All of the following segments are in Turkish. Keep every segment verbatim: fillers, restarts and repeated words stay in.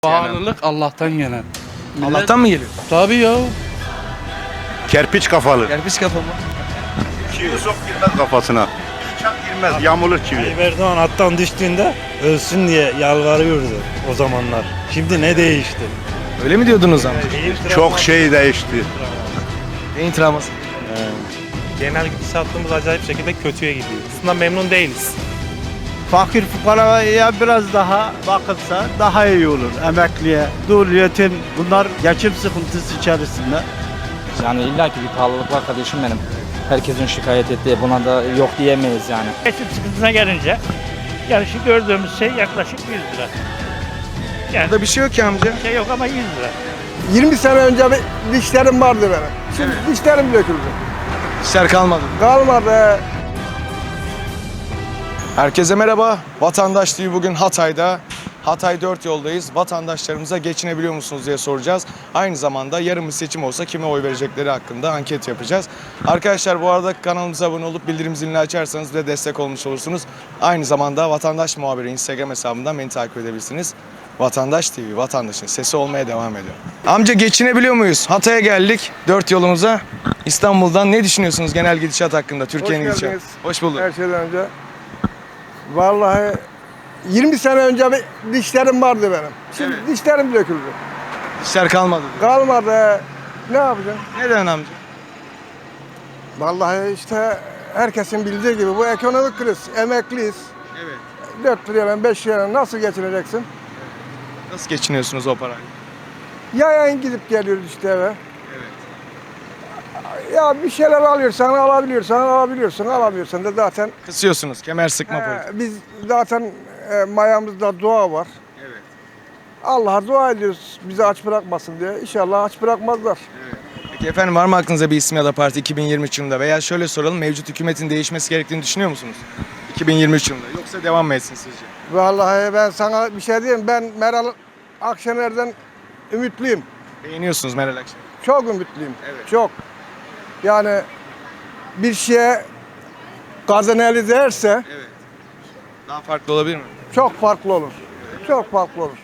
Pahalılık Allah'tan gelen. Millet- Allah'tan mı geliyor? Tabii ya. Kerpiç kafalı. Kerpiç kafa mı? Çivi sok girmez kafasına. Çak girmez, yamulur çivi. Tayyip Erdoğan attan düştüğünde ölsün diye yalvarıyordu o zamanlar. Şimdi ne değişti? Öyle mi diyordunuz amca? Çok şey değişti. Neyin travması? Genel gidişatımız acayip şekilde kötüye gidiyor. Aslında memnun değiliz. Fakir fukaraya biraz daha bakılsa daha iyi olur. Emekliye, dul, yetim bunlar geçim sıkıntısı içerisinde. Yani illaki bir pahalılık var kardeşim benim. Herkesin şikayet ettiği, buna da yok diyemeyiz yani. Geçim sıkıntısına gelince yani şu gördüğümüz şey yaklaşık yüz lira. Yani Burada bir şey yok ki amca. şey yok ama yüz lira. yirmi sene önce bir dişlerim vardı benim. Şimdi dişlerim döküldü. İşler kalmadı. Kalmadı. Herkese merhaba. Vatandaş T V bugün Hatay'da. Hatay dört yoldayız. Vatandaşlarımıza geçinebiliyor musunuz diye soracağız. Aynı zamanda yarın bir seçim olsa kime oy verecekleri hakkında anket yapacağız. Arkadaşlar bu arada kanalımıza abone olup bildirim zilini açarsanız ve destek olmuş olursunuz. Aynı zamanda Vatandaş Muhabiri Instagram hesabından beni takip edebilirsiniz. Vatandaş T V, vatandaşın sesi olmaya devam ediyor. Amca geçinebiliyor muyuz? Hatay'a geldik, dört yolumuza. İstanbul'dan ne düşünüyorsunuz genel gidişat hakkında? Türkiye'nin Hoş gidişatı. geldiniz. Hoş bulduk. Her şeyden önce. Vallahi yirmi sene önce bir dişlerim vardı benim. Şimdi dişlerim döküldü. İşler kalmadı. Kalmadı. Ne yapacağım? Neden amca? Vallahi işte herkesin bildiği gibi bu ekonomik kriz. Emekliyiz. Evet. dört lirayla beş lirayla nasıl geçineceksin? Nasıl geçiniyorsunuz o parayla? Yayan gidip geliyoruz işte eve. Ya bir şeyler alıyorsan alabiliyorsan alabiliyorsun, alamıyorsan da zaten Kısıyorsunuz, kemer sıkma Ee, politikası. biz zaten e, mayamızda dua var. Evet. Allah'a dua ediyoruz bizi aç bırakmasın diye. İnşallah aç bırakmazlar. Peki efendim var mı aklınıza bir isim ya da parti iki bin yirmi üç yılında veya şöyle soralım mevcut hükümetin değişmesi gerektiğini düşünüyor musunuz? iki bin yirmi üç yılında yoksa devam mı etsin sizce? Vallahi ben sana bir şey diyeyim. Ben Meral Akşener'den ümitliyim. Beğeniyorsunuz Meral Akşener. Çok ümitliyim. Evet. Çok. Yani bir şeye gazın eli değerse Evet. Daha farklı olabilir mi? çok farklı olur. Çok farklı olur.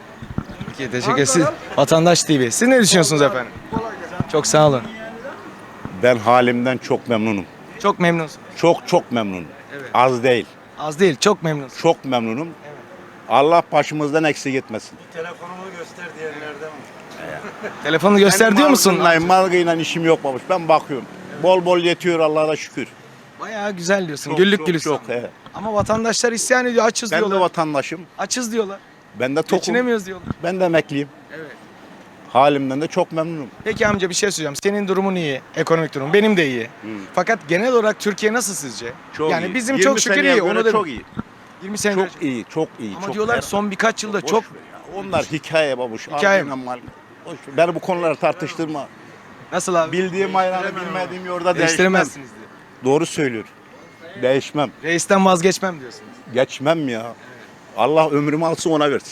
Peki teşekkür ederiz. Vatandaş T V. Siz ne düşünüyorsunuz efendim? Çok sağ olun. Ben halimden çok memnunum. Çok memnunsunuz. Çok çok memnunum. Evet. Az değil. Az değil, çok memnunsunuz. Çok memnunum. Allah başımızdan eksik etmesin. Telefonumu göster diyenlerden mi? Telefonu göster diyor musun? Malgıyla, malgıyla işim yok babuş. Ben bakıyorum. Bol bol yetiyor Allah'a da şükür. Bayağı güzel diyorsun. Çok, Güllük çok, gülistanlık. çok, he. Ama vatandaşlar isyan ediyor. Açız Ben de diyorlar. vatandaşım. Açız diyorlar. Ben de tokum. Geçinemiyoruz diyorlar. Ben de emekliyim. Evet. Halimden de çok memnunum. Peki amca bir şey söyleyeceğim. Senin durumun iyi, ekonomik durum. Benim de iyi. Fakat genel olarak Türkiye nasıl sizce? Çok yani iyi. bizim yirmi çok şükür seneye iyi. göre Onu da çok iyi. yirmi sene Çok önce- iyi, çok iyi. Ama çok diyorlar her- son birkaç yılda Boş çok ver ya. Onlar hikaye babuş. Hikaye mi? Ardından mal- Boş ver. Ben bu konuları tartıştırma. nasıl abi? Bildiğim ayranı bilmediğim yolda değişmem. Değiştiremezsiniz diyor. Doğru söylüyor. Değişmem. Reisten vazgeçmem diyorsunuz. Geçmem ya. Allah ömrümü alsın ona versin.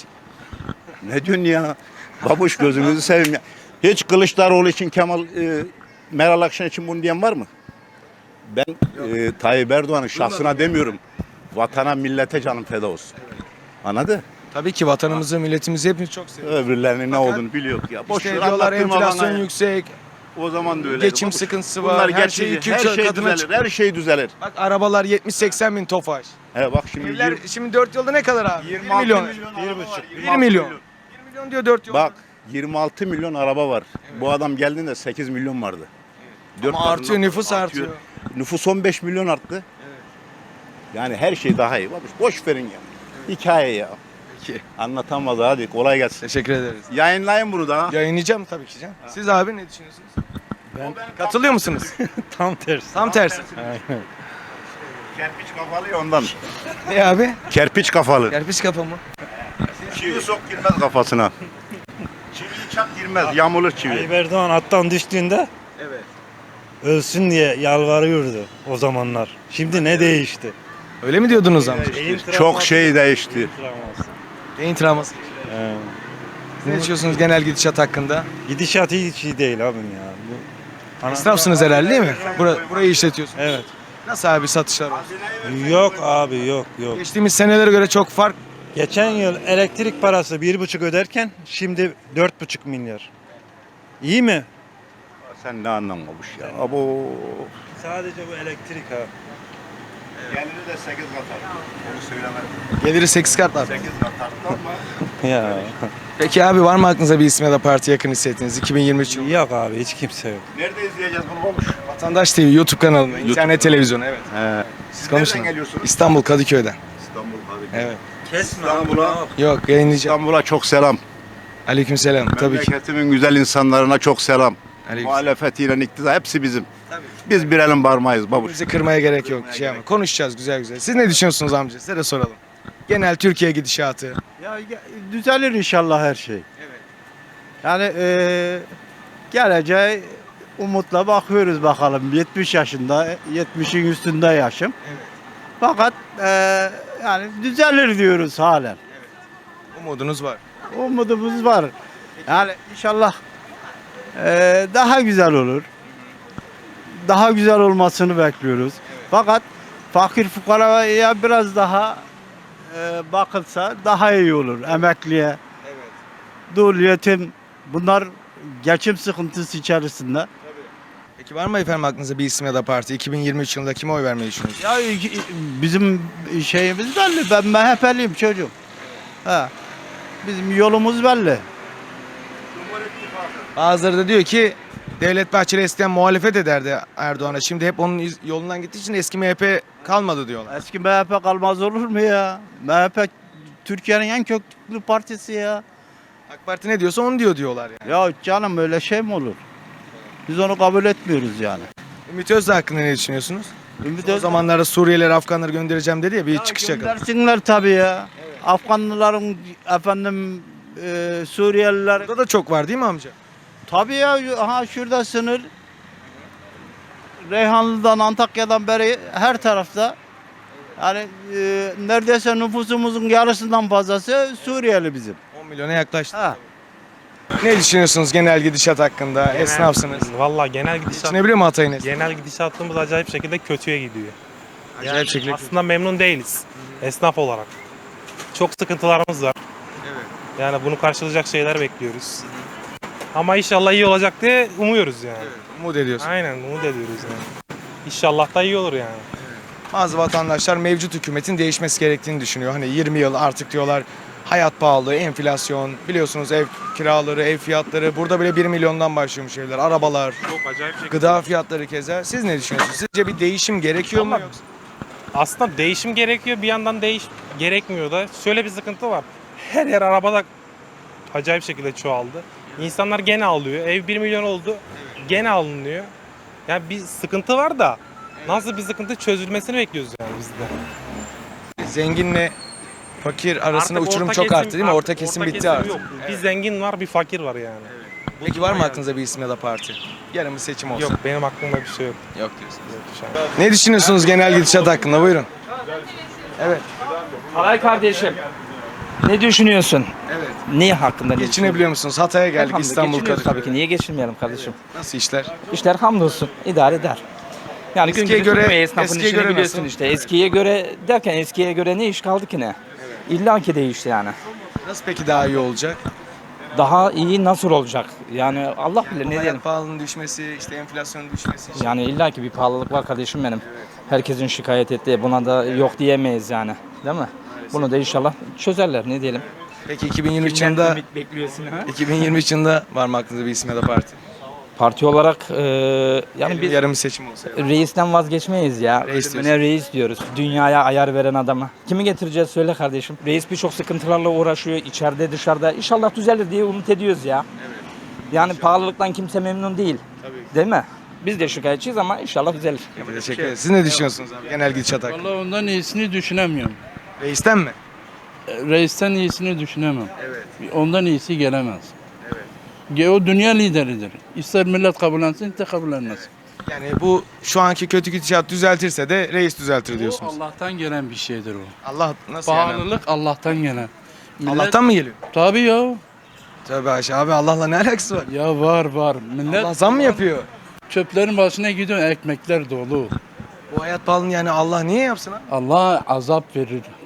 Ne diyorsun ya? Babuş gözünüzü seveyim ya. Hiç Kılıçdaroğlu için Kemal e, Meral Akşener için bunu diyen var mı? Ben e, Tayyip Erdoğan'ın şahsına demiyorum. Vatana, millete canım feda olsun. Anladın? Tabii ki vatanımızı, milletimizi hepimiz çok seviyoruz. Öbürlerinin ne Fakat olduğunu biliyor ya. Boş İşte ver, diyorlar anlattırma enflasyon bana ya. yüksek. O zaman da öyle. Geçim sıkıntısı var, Bunlar her şey geçici. iki üç her şey kadına düzelir. çıkıyor. Her şey düzelir. Bak arabalar yetmiş seksen bin Tofaş. He bak şimdi Evler yirmi- şimdi dört yolda ne kadar abi? yirmi bir altı milyon. milyon araba var, bir yirmi altı milyon. milyon. bir milyon diyor dört yolda. Bak yirmi altı milyon araba var. Bu adam geldiğinde sekiz milyon vardı. Dört Ama katından artıyor, nüfus fazla artıyor. Nüfus on beş milyon arttı. Yani her şey daha iyi. Babuş, boş verin ya. Hikaye ya. Peki. Anlatamaz hadi kolay gelsin. Teşekkür ederiz. Yayınlayın bunu da. Yayınlayacağım tabii ki canım. Siz abi ne düşünüyorsunuz? Ben Katılıyor musunuz? tam tersi. Tam tersi. Kerpiç kafalı ya ondan. Ne abi? Kerpiç kafalı. Kerpiç kafa mı? Çivi sok girmez kafasına. Çivi çak girmez, yamulur Tayyip çivi. Erdoğan attan düştüğünde Evet. ölsün diye yalvarıyordu o zamanlar. Şimdi ne değişti? Öyle mi diyordunuz amca? Çok şey değişti. Beyin travması. He. Siz ne düşünüyorsunuz genel gidişat hakkında? Gidişat hiç iyi değil abim ya. Bu... Esnafsınız herhalde değil mi? Bura, burayı işletiyorsunuz. Evet. Nasıl abi satışlar olsun? Yok abi yok yok. Geçtiğimiz senelere göre çok fark Geçen yıl elektrik parası bir buçuk öderken şimdi dört buçuk milyar. İyi mi? Sen ne anlamamış ya. Abo. Sadece bu elektrik ha. Geliri de sekiz kat arttı. Onu söylemedim. Geliri sekiz kat var. sekiz kat arttı ama. Ya. Peki abi var mı aklınıza bir isim ya da parti yakın hissettiğiniz iki bin yirmi üç yılı? Yok abi hiç kimse yok. Nerede izleyeceğiz bunu babuş? Vatandaş T V YouTube kanalında, internet televizyonu evet. He. Siz konuşun. Nereden geliyorsunuz? İstanbul Kadıköy'den. İstanbul Kadıköy. Evet. İstanbul'a, Yok yayınlayacağım. İstanbul'a çok selam. Aleykümselam tabii ki. Memleketimin güzel insanlarına çok selam. Aleyküm. Muhalefetiyle iktidar hepsi bizim. Biz bir elin parmağıyız babuş. Bizi kırmaya gerek yok. Şey ama konuşacağız güzel güzel. Siz ne düşünüyorsunuz amca? Size de soralım. Genel Türkiye gidişatı. Ya ge- düzelir inşallah her şey. Yani eee geleceğe umutla bakıyoruz bakalım. yetmiş yaşında, yetmişin üstünde yaşım. Fakat eee, yani düzelir diyoruz halen. Umudunuz var. Umudumuz var. Yani inşallah eee, daha güzel olur. Daha güzel olmasını bekliyoruz. Fakat fakir fukaraya biraz daha eee, bakılsa daha iyi olur. Emekliye, dul yetim bunlar geçim sıkıntısı içerisinde. Peki var mı efendim aklınızda bir isim ya da parti? iki bin yirmi üç yılında kime oy vermeyi düşünüyorsunuz? Ya iki- bizim şeyimiz belli. Ben M H P'liyim çocuğum. Ha. Bizim yolumuz belli. Bazıları da diyor ki Devlet Bahçeli eskiden muhalefet ederdi Erdoğan'a. Şimdi hep onun iz- yolundan gittiği için eski M H P kalmadı diyorlar. Eski M H P kalmaz olur mu ya? M H P Türkiye'nin en köklü partisi ya. AK Parti ne diyorsa onu diyor diyorlar yani. Ya canım öyle şey mi olur? Biz onu kabul etmiyoruz yani. Ümit Özdağ hakkında ne düşünüyorsunuz? Ümit O Özdağ- zamanlarda Suriyeliler, Afganları göndereceğim dedi ya bir Ya çıkış yakaladı. göndersinler tabii ya. Afganlıların efendim e, Suriyeliler Burada da çok var değil mi amca? tabii ya aha şurada sınır Reyhanlı'dan Antakya'dan beri her tarafta yani e, neredeyse nüfusumuzun yarısından fazlası Suriyeli bizim. on milyona yaklaştı. Ha. Ne düşünüyorsunuz genel gidişat hakkında? Esnafsınız. Valla genel gidişat, Geçinebiliyor mu Hatay'ın esnafı? genel gidişatımız acayip şekilde kötüye gidiyor. Acayip şekilde. Aslında memnun değiliz esnaf olarak. Çok sıkıntılarımız var. Yani bunu karşılayacak şeyler bekliyoruz. Ama inşallah iyi olacak diye umuyoruz yani. Umut ediyorsun. Aynen umut ediyoruz yani. İnşallah da iyi olur yani. Bazı vatandaşlar mevcut hükümetin değişmesi gerektiğini düşünüyor. Hani yirmi yıl artık diyorlar hayat pahalı, enflasyon, biliyorsunuz ev kiraları, ev fiyatları. Burada bile bir milyondan başlıyormuş evler, arabalar, Çok acayip şekilde. gıda fiyatları keza. Siz ne düşünüyorsunuz? Sizce bir değişim gerekiyor mu Ama- yoksa? Aslında değişim gerekiyor, bir yandan değiş gerekmiyor da. Şöyle bir sıkıntı var. Her yer arabada acayip şekilde çoğaldı. İnsanlar gene alıyor. Ev bir milyon oldu. Gene alınıyor. Yani bir sıkıntı var da nasıl bir sıkıntı çözülmesini bekliyoruz yani biz de. Zenginle fakir arasında Artık uçurum orta çok kesim- arttı değil mi? artık Orta kesim bitti artık. Yok. Bir zengin var, bir fakir var yani. Peki var mı aklınızda bir isim ya da parti? Yarın bir seçim olsa. Yok, benim aklımda bir şey yok. Yok diyorsunuz. Yok şu an. Ne düşünüyorsunuz genel gidişat hakkında? Buyurun. Evet. Alay kardeşim. Ne düşünüyorsun? Evet. Ne hakkında ne Geçinebiliyor musunuz? Hatay'a geldik Elhamdülillah, İstanbul geçiniyoruz Kadıköy. tabii ki. Niye geçinmeyelim kardeşim? Nasıl işler? İşler hamdolsun idare eder. Yani Eskiye gün gibi göre- sürmüyor, esnafın eskiye işini göre biliyorsun nasıl? işte. Eskiye göre derken eskiye göre ne iş kaldı ki ne? İlla ki değişti yani. Nasıl peki daha iyi olacak? Daha iyi nasıl olacak? Yani Allah bilir ne diyelim. Hayat pahalılığının düşmesi, işte enflasyonun düşmesi. işte. Yani illa ki bir pahalılık var kardeşim benim. Herkesin şikayet ettiği buna da yok diyemeyiz yani. Değil mi? Bunu da inşallah çözerler ne diyelim. Peki iki bin yirmi üç yılında ümit bekliyorsun ha? iki bin yirmi üç yılında var mı aklınızda bir isim ya da parti? Parti olarak e, yani Yani biz yarım bir seçim olsa. reisten vazgeçmeyiz ya. Reis Ölümüne reis diyoruz. Dünyaya ayar veren adamı. Kimi getireceğiz söyle kardeşim. Reis birçok sıkıntılarla uğraşıyor içeride dışarıda. İnşallah düzelir diye umut ediyoruz ya. Yani pahalılıktan kimse memnun değil. Değil mi? Biz de şikayetçiyiz ama inşallah düzelir. Teşekkür ederiz. Siz ne düşünüyorsunuz abi genel gidişat hakkında? Vallahi ondan iyisini düşünemiyorum. Reisten mi? Reisten iyisini düşünemem. Evet. Ondan iyisi gelemez. Evet. O dünya lideridir. İster millet kabullensin, ister kabullenmesin. Yani bu şu anki kötü gidişat düzeltirse de reis düzeltir O diyorsunuz. Allah'tan gelen bir şeydir o. Allah nasıl yani? Pahalılık Allah'tan gelen. Millet- Allah'tan mı geliyor? Tabii ya. Tövbe Ayşe abi Allah'la ne alakası var? Ya var var. Millet Allah zam mı yapıyor? çöplerin başına gidiyor, ekmekler dolu. Bu hayat pahalılığını yani Allah niye yapsın abi? Allah azap verir.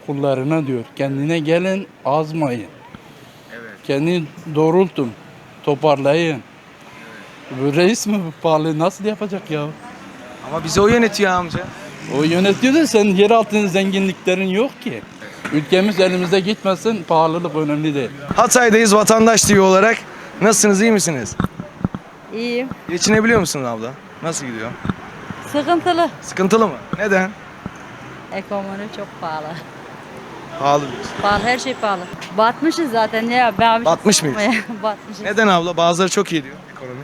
kullarına diyor. Kendine gelin, azmayın. Kendini doğrultun, toparlayın. Bu reis mi bu pahalı nasıl yapacak ya? Ama bizi o yönetiyor amca. O yönetiyor da sen yer altında zenginliklerin yok ki. Ülkemiz elimizde gitmesin, pahalılık önemli değil. Hatay'dayız Vatandaş T V olarak. Nasılsınız, iyi misiniz? İyiyim. Geçinebiliyor musunuz abla? Nasıl gidiyor? Sıkıntılı. Sıkıntılı mı? Neden? Ekonomi çok pahalı. Pahalı diyorsun. Pahalı, her şey pahalı. Batmışız zaten ya. Ben Batmış mıyız? Batmışız. Neden abla? Bazıları çok iyi diyor ekonomi.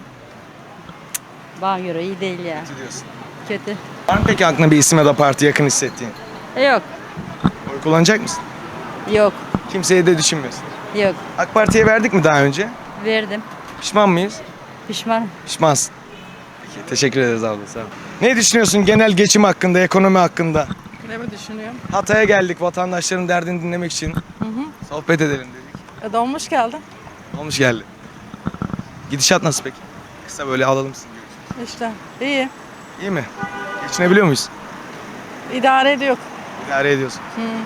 Bana göre iyi değil ya. Kötü diyorsun. Kötü. Var mı peki aklına bir isim ya da parti yakın hissettiğin? E, Yok. Oy kullanacak mısın? Yok. Kimseyi de düşünmüyorsun. Yok. AK Parti'ye verdik mi daha önce? Verdim. Pişman mıyız? Pişmanım. Pişmansın. Peki, teşekkür ederiz abla, sağ ol. Ne düşünüyorsun genel geçim hakkında, ekonomi hakkında? Ne mi düşünüyorum? Hatay'a geldik vatandaşların derdini dinlemek için. Sohbet edelim dedik. E, dolmuş geldi. Olmuş geldi. Gidişat nasıl peki? Kısa böyle alalım sizi. İşte iyi. İyi mi? Geçinebiliyor muyuz? İdare ediyor. İdare ediyorsun.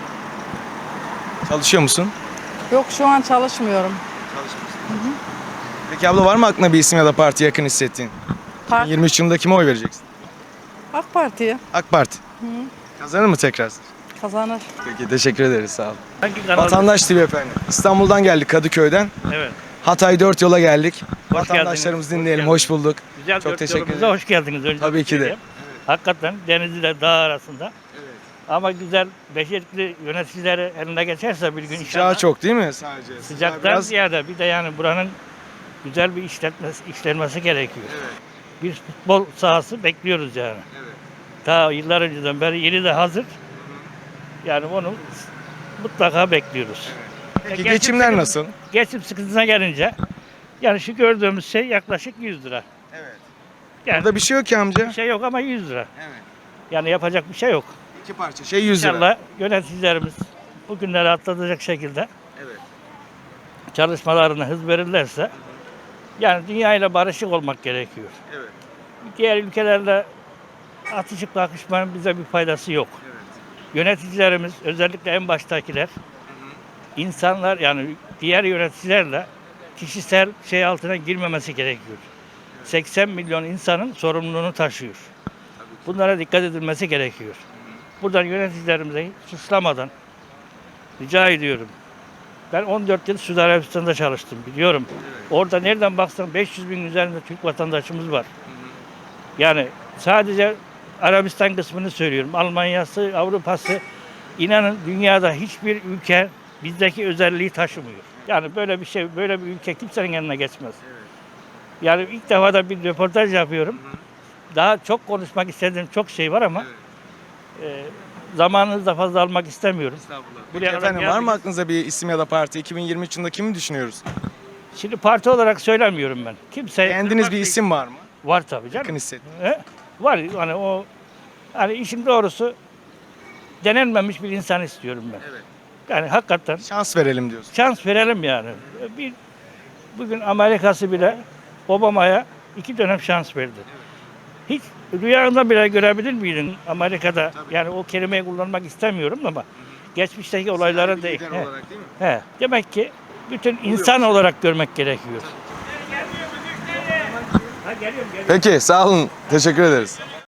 Çalışıyor musun? Yok şu an çalışmıyorum. Çalışmıyorsun. Peki abla var mı aklına bir isim ya da parti yakın hissettiğin? Park, yirmi üç yılında kime oy vereceksin? AK Parti'ye AK Parti. Kazanır mı tekrar? kazanır. Peki teşekkür ederiz, sağ olun. Hangi kanal? Vatandaş T V efendim. İstanbul'dan geldik, Kadıköy'den. Evet. Hatay dört yola geldik. Hoş Vatandaşlarımızı geldiniz, dinleyelim. hoş Hoş bulduk. Güzel Çok dört teşekkür yolumuza ederim. hoş geldiniz. Önce Tabii bir ki de. söyleyeyim. Hakikaten Denizli ile dağ arasında. Ama güzel, becerikli yöneticileri eline geçerse bir gün Sıcağı inşallah. çok değil mi sadece? Sıcağı Sıcaktan biraz- ziyade bir de yani buranın güzel bir işletmesi, işlenmesi gerekiyor. Bir futbol sahası bekliyoruz yani. Ta yıllar önceden beri yeni de hazır. Yani onu mutlaka bekliyoruz. Peki Geçim geçimler sıkıntı- nasıl? Geçim sıkıntısına gelince yani şu gördüğümüz şey yaklaşık yüz lira. Evet. Yani Burada bir şey yok ki amca. bir şey yok ama yüz lira. Evet. Yani yapacak bir şey yok. İki parça şey yüz lira. İnşallah yöneticilerimiz bu günleri atlatacak şekilde Evet. çalışmalarına hız verirlerse yani dünyayla barışık olmak gerekiyor. Evet. Diğer ülkelerle atışıp kakışmanın bize bir faydası yok. Yöneticilerimiz özellikle en baştakiler insanlar yani diğer yöneticilerle kişisel şey altına girmemesi gerekiyor. seksen milyon insanın sorumluluğunu taşıyor. Bunlara dikkat edilmesi gerekiyor. Buradan yöneticilerimize suçlamadan rica ediyorum. Ben on dört yıl Suudi Arabistan'da çalıştım biliyorum. Orada nereden baksan beş yüz bin üzerinde Türk vatandaşımız var. Yani sadece Arabistan kısmını söylüyorum. Almanya'sı, Avrupa'sı inanın dünyada hiçbir ülke bizdeki özelliği taşımıyor. Yani böyle bir şey, böyle bir ülke kimsenin yanına geçmez. Yani ilk defa da bir röportaj yapıyorum. Daha çok konuşmak istediğim çok şey var ama e, zamanınızı da fazla almak istemiyorum. Peki Buraya kadar efendim var mı geldiniz. aklınıza bir isim ya da parti? iki bin yirmi üç yılında kimi düşünüyoruz? Şimdi parti olarak söylemiyorum ben. Kimse Beğendiğiniz bir isim var mı? var tabii canım. Yakın hissettim. He? Var hani o hani işin doğrusu denenmemiş bir insan istiyorum ben. Evet. Yani hakikaten Şans verelim diyorsun. şans verelim yani. Bir bugün Amerika'sı bile Obama'ya iki dönem şans verdi. Hiç rüyanda bile görebilir miydin Amerika'da? Yani o kelimeyi kullanmak istemiyorum ama geçmişteki olaylara değil. He. olarak değil mi? He. Demek ki bütün insan olarak görmek gerekiyor. Ha, geliyorum, geliyorum. Peki sağ olun. Teşekkür ederiz.